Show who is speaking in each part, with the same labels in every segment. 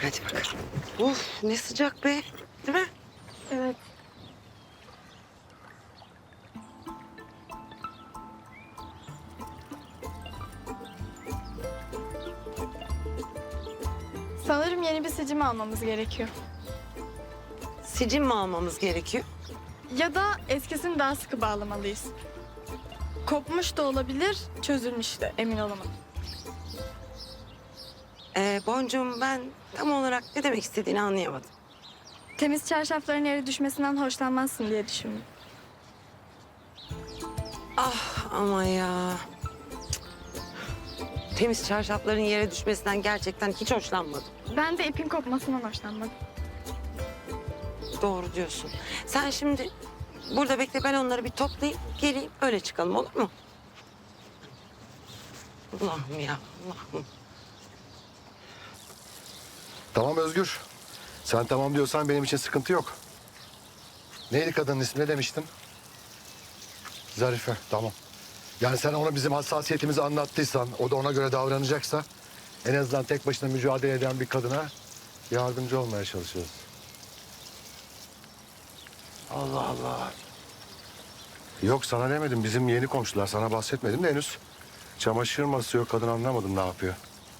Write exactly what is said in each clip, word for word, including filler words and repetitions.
Speaker 1: Hadi bakalım. Uf ne sıcak be. Değil mi?
Speaker 2: Evet. Sanırım yeni bir sicim almamız gerekiyor.
Speaker 1: Sicim mi almamız gerekiyor?
Speaker 2: Ya da eskisini daha sıkı bağlamalıyız. Kopmuş da olabilir, çözülmüş de emin olamadım.
Speaker 1: Ee, Boncuğum ben tam olarak ne demek istediğini anlayamadım.
Speaker 2: Temiz çarşafların yere düşmesinden hoşlanmazsın diye düşündüm.
Speaker 1: Ah ama ya. Cık. Temiz çarşafların yere düşmesinden gerçekten hiç hoşlanmadım.
Speaker 2: Ben de ipin kopmasından hoşlanmadım.
Speaker 1: Doğru diyorsun. Sen şimdi burada bekle, ben onları bir toplayayım geleyim öyle çıkalım, olur mu? Allah'ım ya Allah'ım.
Speaker 3: Tamam Özgür. Sen tamam diyorsan benim için sıkıntı yok. Neydi kadının ismi, ne demiştin? Zarife, tamam. Yani sen ona bizim hassasiyetimizi anlattıysan, o da ona göre davranacaksa... ...en azından tek başına mücadele eden bir kadına yardımcı olmaya çalışıyoruz. Allah Allah. Yok sana demedim, bizim yeni komşular, sana bahsetmedim de henüz. Çamaşır masası yok, kadın anlamadım ne yapıyor.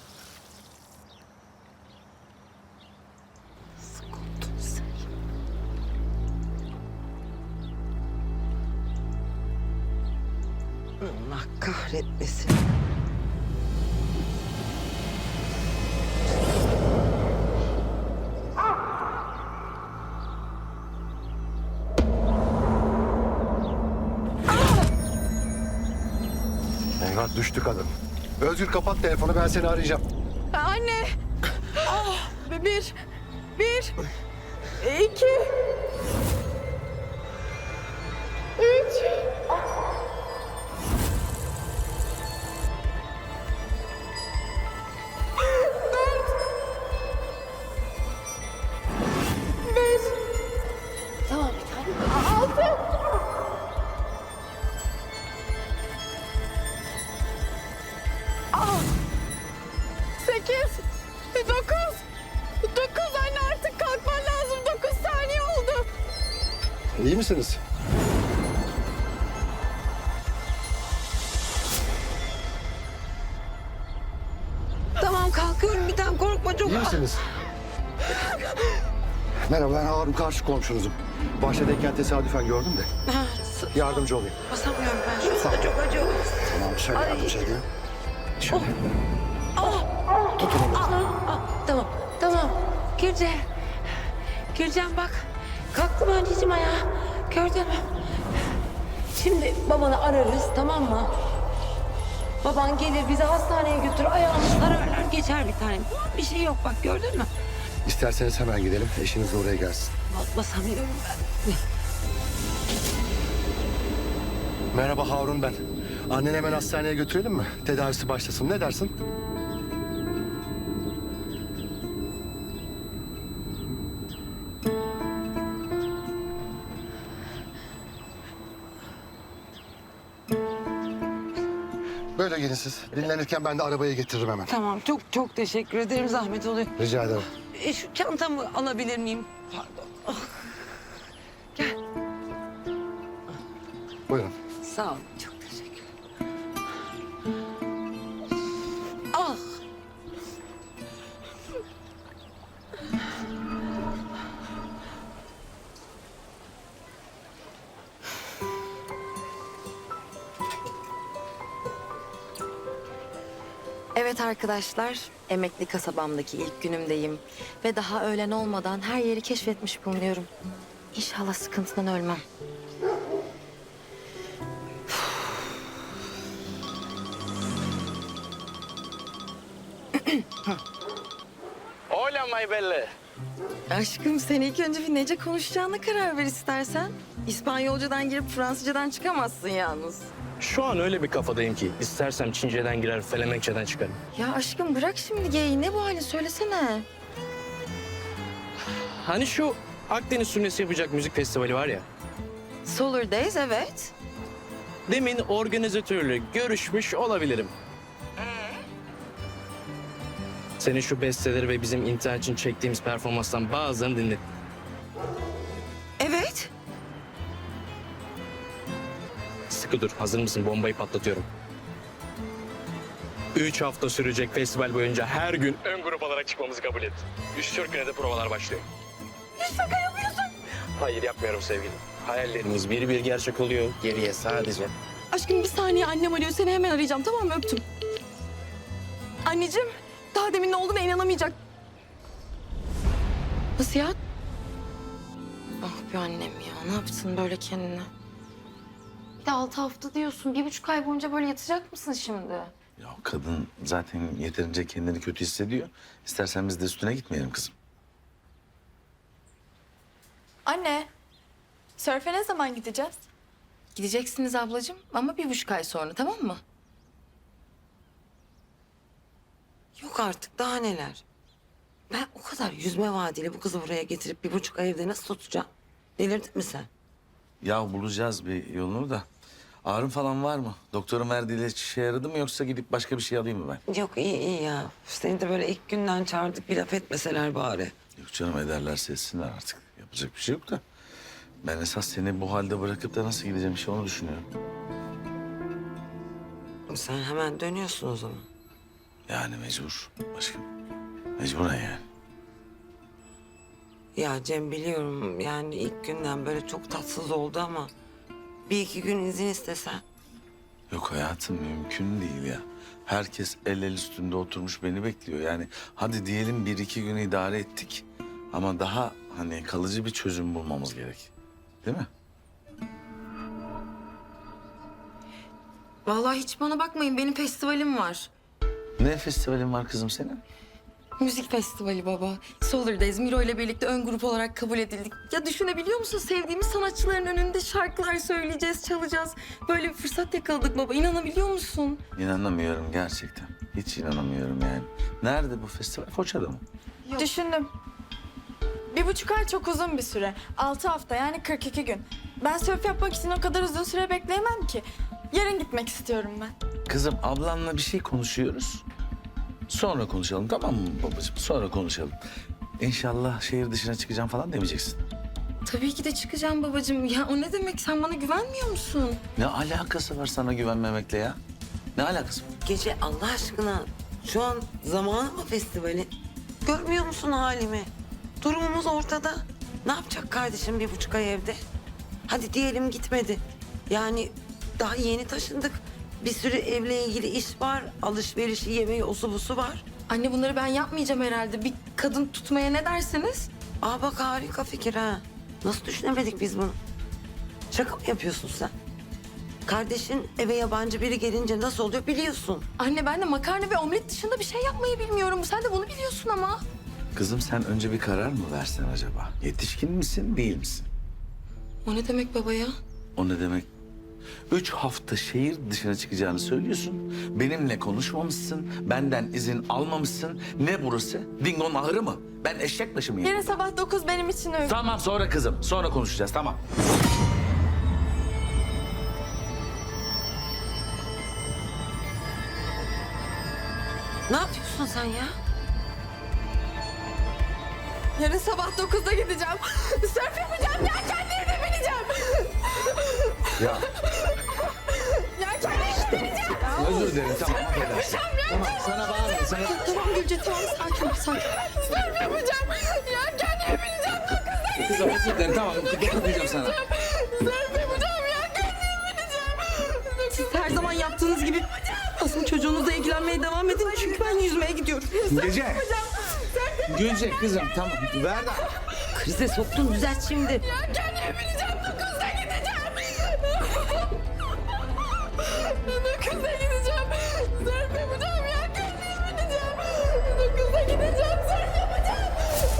Speaker 1: Sıkıntı sen. Allah kahretmesin.
Speaker 3: Eyvah, düştü kadın. Özgür kapat telefonu, ben seni arayacağım.
Speaker 2: Anne! Ah! Bir, bir, iki, üç.
Speaker 1: Tamam bir tane.
Speaker 2: Sekiz, dokuz, dokuz anne artık kalkman lazım. Dokuz saniye oldu.
Speaker 3: İyi misiniz?
Speaker 1: Tamam kalkıyorum, bir tane korkma çok.
Speaker 3: İyi misiniz? Merhaba, ben Harun, karşı komşunuzum. Bahçedeyken tesadüfen gördüm de.
Speaker 1: Ha, s-
Speaker 3: Yardımcı olayım.
Speaker 1: basamıyorum ben şu anda, çok acıyor.
Speaker 3: Tamam, şöyle
Speaker 1: Ay.
Speaker 3: yardımcı edeyim. Şöyle.
Speaker 1: Ah,
Speaker 3: Tutun onu.
Speaker 1: ah, ah, tamam, tamam. Gülce, Gülcan bak. Kalktım anneciğim ayağa. Gördün mü? Şimdi babanı ararız, tamam mı? Baban gelir bizi hastaneye götür, ayağımız ararlar geçer bir tane. Bir şey yok bak, gördün mü?
Speaker 3: İsterseniz hemen gidelim, eşiniz de oraya gelsin.
Speaker 1: Bas- Basamıyorum ben.
Speaker 3: Merhaba, Harun ben. Anneni hemen hastaneye götürelim mi? Tedavisi başlasın, ne dersin? Böyle gelin siz. Dinlenirken ben de arabayı getiririm hemen.
Speaker 1: Tamam, çok çok teşekkür ederim, zahmet oluyor.
Speaker 3: Rica ederim.
Speaker 1: E, şu çantamı alabilir miyim? Pardon. Ah, gel.
Speaker 3: Buyurun.
Speaker 1: Sağ ol, çok teşekkür Ah!
Speaker 4: Evet arkadaşlar, emekli kasabamdaki ilk günümdeyim. Ve daha öğlen olmadan her yeri keşfetmiş bulunuyorum. İnşallah sıkıntıdan ölmem.
Speaker 5: Hola my belle.
Speaker 4: Aşkım sen ilk önce bir nece konuşacağına karar ver istersen. İspanyolcadan girip Fransızcadan çıkamazsın yalnız.
Speaker 5: Şu an öyle bir kafadayım ki istersem Çince'den girer, Felemenkçe'den çıkarım.
Speaker 4: Ya aşkım bırak şimdi geyiği, ne bu halin söylesene.
Speaker 5: Hani şu Akdeniz sürmesi yapacak müzik festivali var ya.
Speaker 4: Solar Days, evet.
Speaker 5: Demin organizatörle görüşmüş olabilirim. Senin şu besteleri ve bizim internet için çektiğimiz performanstan bazılarını dinledim.
Speaker 1: Evet.
Speaker 5: Sıkı dur. Hazır mısın? Bombayı patlatıyorum. Üç hafta sürecek festival boyunca her gün ön grup olarak çıkmamızı kabul et. Üç dört güne de provalar başlıyor.
Speaker 2: Şaka yapıyorsun.
Speaker 5: Hayır yapmıyorum sevgilim. Hayallerimiz bir bir gerçek oluyor. Geriye sadece...
Speaker 2: Aşkım bir saniye, annem arıyor. Seni hemen arayacağım, tamam mı? Öptüm. Anneciğim, daha demin ne olduğuna inanamayacak.
Speaker 4: Nasıl ya? Ah be annem ya. Ne yaptın böyle kendine? Bir de altı hafta diyorsun. Bir buçuk ay boyunca böyle yatacak mısın şimdi?
Speaker 6: Ya kadın zaten yeterince kendini kötü hissediyor. İstersen biz de üstüne gitmeyelim kızım.
Speaker 2: Anne, sörfe ne zaman gideceğiz?
Speaker 4: Gideceksiniz ablacığım ama bir buçuk ay sonra, tamam mı?
Speaker 1: Yok artık daha neler. Ben o kadar yüzme vaadiyle bu kızı buraya getirip bir buçuk ay evde nasıl tutacağım? Delirdin mi sen?
Speaker 6: Ya bulacağız bir yolunu da. Ağrın falan var mı? Doktorun verdiği ilaç işe yaradı mı yoksa gidip başka bir şey alayım mı ben?
Speaker 1: Yok iyi iyi ya. Seni de böyle ilk günden çağırdık bir laf etmeseler bari.
Speaker 6: Yok canım ederlerse etsinler artık. Yapacak bir şey yok da. Ben esas seni bu halde bırakıp da nasıl gideceğim işte onu düşünüyorum.
Speaker 1: Sen hemen dönüyorsun o zaman.
Speaker 6: Yani mecbur aşkım. Mecburen yani.
Speaker 1: Ya Cem biliyorum yani ilk günden böyle çok tatsız oldu ama... ...bir iki gün izin istesen.
Speaker 6: Yok hayatım mümkün değil ya. Herkes el el üstünde oturmuş beni bekliyor. Yani hadi diyelim bir iki gün idare ettik. Ama daha hani kalıcı bir çözüm bulmamız gerek. Değil mi?
Speaker 4: Vallahi hiç bana bakmayın. Benim festivalim var.
Speaker 6: Ne festivalin var kızım senin?
Speaker 4: Müzik festivali baba. Solar'dayız. Miro ile birlikte ön grup olarak kabul edildik. Ya düşünebiliyor musun? Sevdiğimiz sanatçıların önünde şarkılar söyleyeceğiz, çalacağız. Böyle bir fırsat yakaladık baba. İnanabiliyor musun?
Speaker 6: İnanamıyorum gerçekten. Hiç inanamıyorum yani. Nerede bu festival? Foça'da mı?
Speaker 2: Düşündüm. Bir buçuk ay çok uzun bir süre. Altı hafta yani kırk iki gün. Ben sörf yapmak için o kadar uzun süre bekleyemem ki. Yarın gitmek istiyorum ben.
Speaker 6: Kızım ablanla bir şey konuşuyoruz. Sonra konuşalım tamam mı babacığım? Sonra konuşalım. İnşallah şehir dışına çıkacağım falan demeyeceksin.
Speaker 4: Tabii ki de çıkacağım babacığım. Ya o ne demek? Sen bana güvenmiyor musun?
Speaker 6: Ne alakası var sana güvenmemekle ya? Ne alakası var?
Speaker 1: Gece Allah aşkına şu an zamanı mı festivalin? Görmüyor musun halimi? Durumumuz ortada. Ne yapacak kardeşim bir buçuk ay evde? Hadi diyelim gitmedi. Yani daha yeni taşındık. Bir sürü evle ilgili iş var. Alışverişi, yemeği, osu busu var.
Speaker 4: Anne bunları ben yapmayacağım herhalde. Bir kadın tutmaya ne dersiniz?
Speaker 1: Aa bak harika fikir ha. Nasıl düşünemedik biz bunu? Şaka mı yapıyorsun sen? Kardeşin eve yabancı biri gelince nasıl oluyor biliyorsun.
Speaker 4: Anne ben de makarna ve omlet dışında bir şey yapmayı bilmiyorum. Sen de bunu biliyorsun ama.
Speaker 6: Kızım sen önce bir karar mı versen acaba? Yetişkin misin değil misin?
Speaker 4: O ne demek baba ya?
Speaker 6: O ne demek? Üç hafta şehir dışına çıkacağını söylüyorsun. Benimle konuşmamışsın. Benden izin almamışsın. Ne burası? Dingo'nun ahırı mı? Ben eşek başı mıyım?
Speaker 2: Yarın sabah dokuz benim için uygun.
Speaker 6: Tamam sonra kızım. Sonra konuşacağız tamam.
Speaker 1: Ne yapıyorsun sen ya?
Speaker 2: Yarın sabah dokuzda gideceğim. Sörf yapacağım, yelkenlerine bineceğim.
Speaker 6: Ya
Speaker 2: Yelkenlerine bineceğim.
Speaker 6: özür dilerim tamam affedersin. Tamam sana bağırma. Sana...
Speaker 4: Tamam Gülce tamam sakin ol sakin.
Speaker 2: Sörf yapacağım, yelkenlerine bineceğim. Dokuzda
Speaker 6: Kızım özür dilerim tamam. Dokunmayacağım sana.
Speaker 2: sörf yapacağım, yelkenlerine bineceğim.
Speaker 4: Siz her zaman yaptığınız gibi aslında çocuğunuzla ilgilenmeye devam edin. Çünkü ben yüzmeye gidiyorum.
Speaker 6: Gece. Gülce kızım tamam. Ver de.
Speaker 1: Krize soktun düzelt şimdi.
Speaker 2: Yelkenlerine bineceğim, dokuzda gideceğim. Dokuzda gideceğim. Sörf yapacağım, yelkenlerine bineceğim. Dokuzda gideceğim, sörf yapacağım.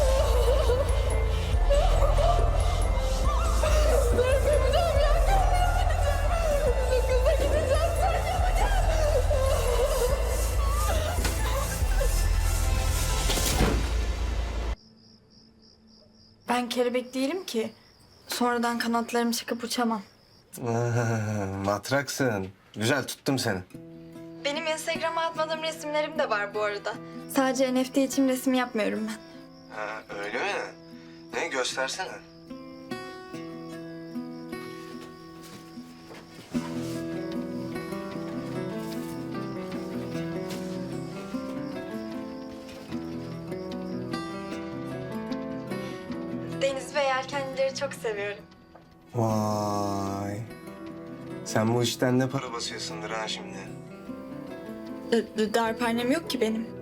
Speaker 2: Sörf yapacağım, yelkenlerine bineceğim. Dokuzda gideceğim, sörf yapacağım. Ben kelebek değilim ki. Sonradan kanatlarım çıkıp uçamam.
Speaker 7: Matraksın. Güzel tuttum seni.
Speaker 2: Benim Instagram'a atmadığım resimlerim de var bu arada. Sadece N F T için resim yapmıyorum ben.
Speaker 7: Ha öyle mi? Ne göstersene.
Speaker 2: Deniz ve yelkenlileri çok seviyorum.
Speaker 7: Vay. Sen bu işten ne para basıyorsundur ha şimdi?
Speaker 2: D- d- darphanem yok ki benim.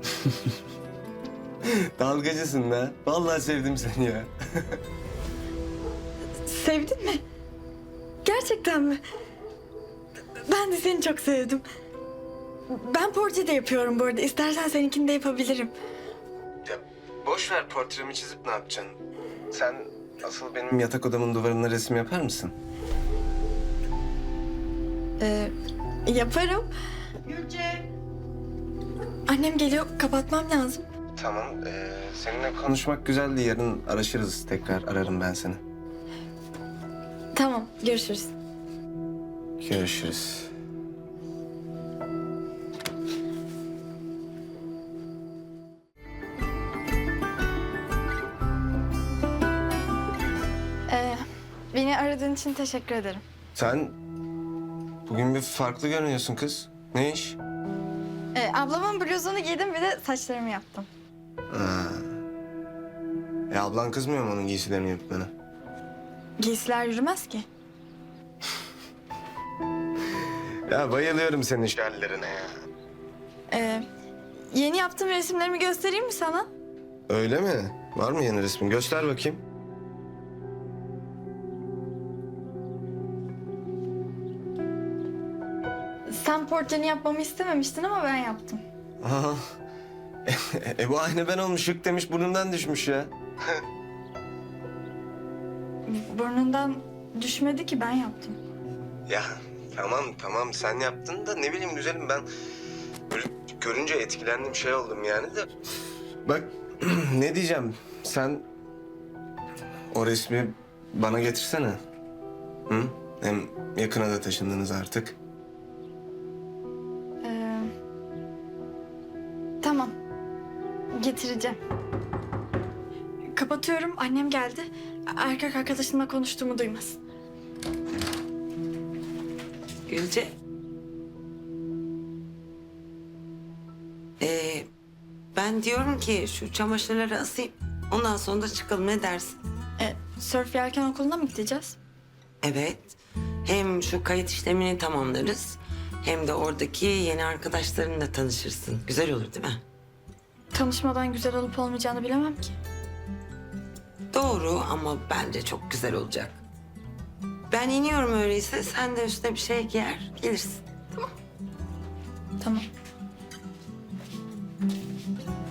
Speaker 7: Dalgacısın da. Vallahi sevdim seni ya.
Speaker 2: Sevdin mi? Gerçekten mi? Ben de seni çok sevdim. Ben portre de yapıyorum bu arada. İstersen seninkini de yapabilirim.
Speaker 7: Ya boş ver, portremi çizip ne yapacaksın? Sen asıl benim yatak odamın duvarına resim yapar mısın?
Speaker 2: Ee, yaparım. Gülce. Annem geliyor. Kapatmam lazım.
Speaker 7: Tamam. Ee, seninle konuşmak güzeldi. Yarın araşırız tekrar. Ararım ben seni.
Speaker 2: Tamam. Görüşürüz.
Speaker 7: Görüşürüz.
Speaker 2: Ee, beni aradığın için teşekkür ederim.
Speaker 7: Sen bugün bir farklı görünüyorsun kız. Ne iş?
Speaker 2: Ee, ablamın bluzunu giydim bir de saçlarımı yaptım.
Speaker 7: Ha. E ablan kızmıyor mu onun giysilerini yaptığını?
Speaker 2: Giysiler yürümez ki.
Speaker 7: Ya bayılıyorum senin şallerine ya.
Speaker 2: Ee, yeni yaptığım resimlerimi göstereyim mi sana?
Speaker 7: Öyle mi? Var mı yeni resmin? Göster bakayım.
Speaker 2: Sen portreni yapmamı istememiştin ama ben yaptım.
Speaker 7: Aha. e bu aynı ben olmuş. Şık demiş burnundan düşmüş ya.
Speaker 2: Burnundan düşmedi ki, ben yaptım.
Speaker 7: Ya tamam tamam sen yaptın da ne bileyim güzelim ben böyle görünce etkilendim şey oldum yani de. Bak ne diyeceğim sen o resmi bana getirsene. Hı? Hem yakına da taşındınız artık.
Speaker 2: Ee, tamam. Getireceğim. Kapatıyorum. Annem geldi. Erkek arkadaşımla konuştuğumu duymasın.
Speaker 1: Gülce. Ee, ben diyorum ki şu çamaşırları asayım. Ondan sonra da çıkalım, ne dersin?
Speaker 2: Ee, sörf yelken okuluna mı gideceğiz?
Speaker 1: Evet. Hem şu kayıt işlemini tamamlarız. Hem de oradaki yeni arkadaşlarınla tanışırsın. Güzel olur değil mi?
Speaker 2: Tanışmadan güzel olup olmayacağını bilemem ki.
Speaker 1: Doğru ama bence çok güzel olacak. Ben iniyorum öyleyse. Sen de üstüne bir şey giyer, gelirsin.
Speaker 2: Tamam.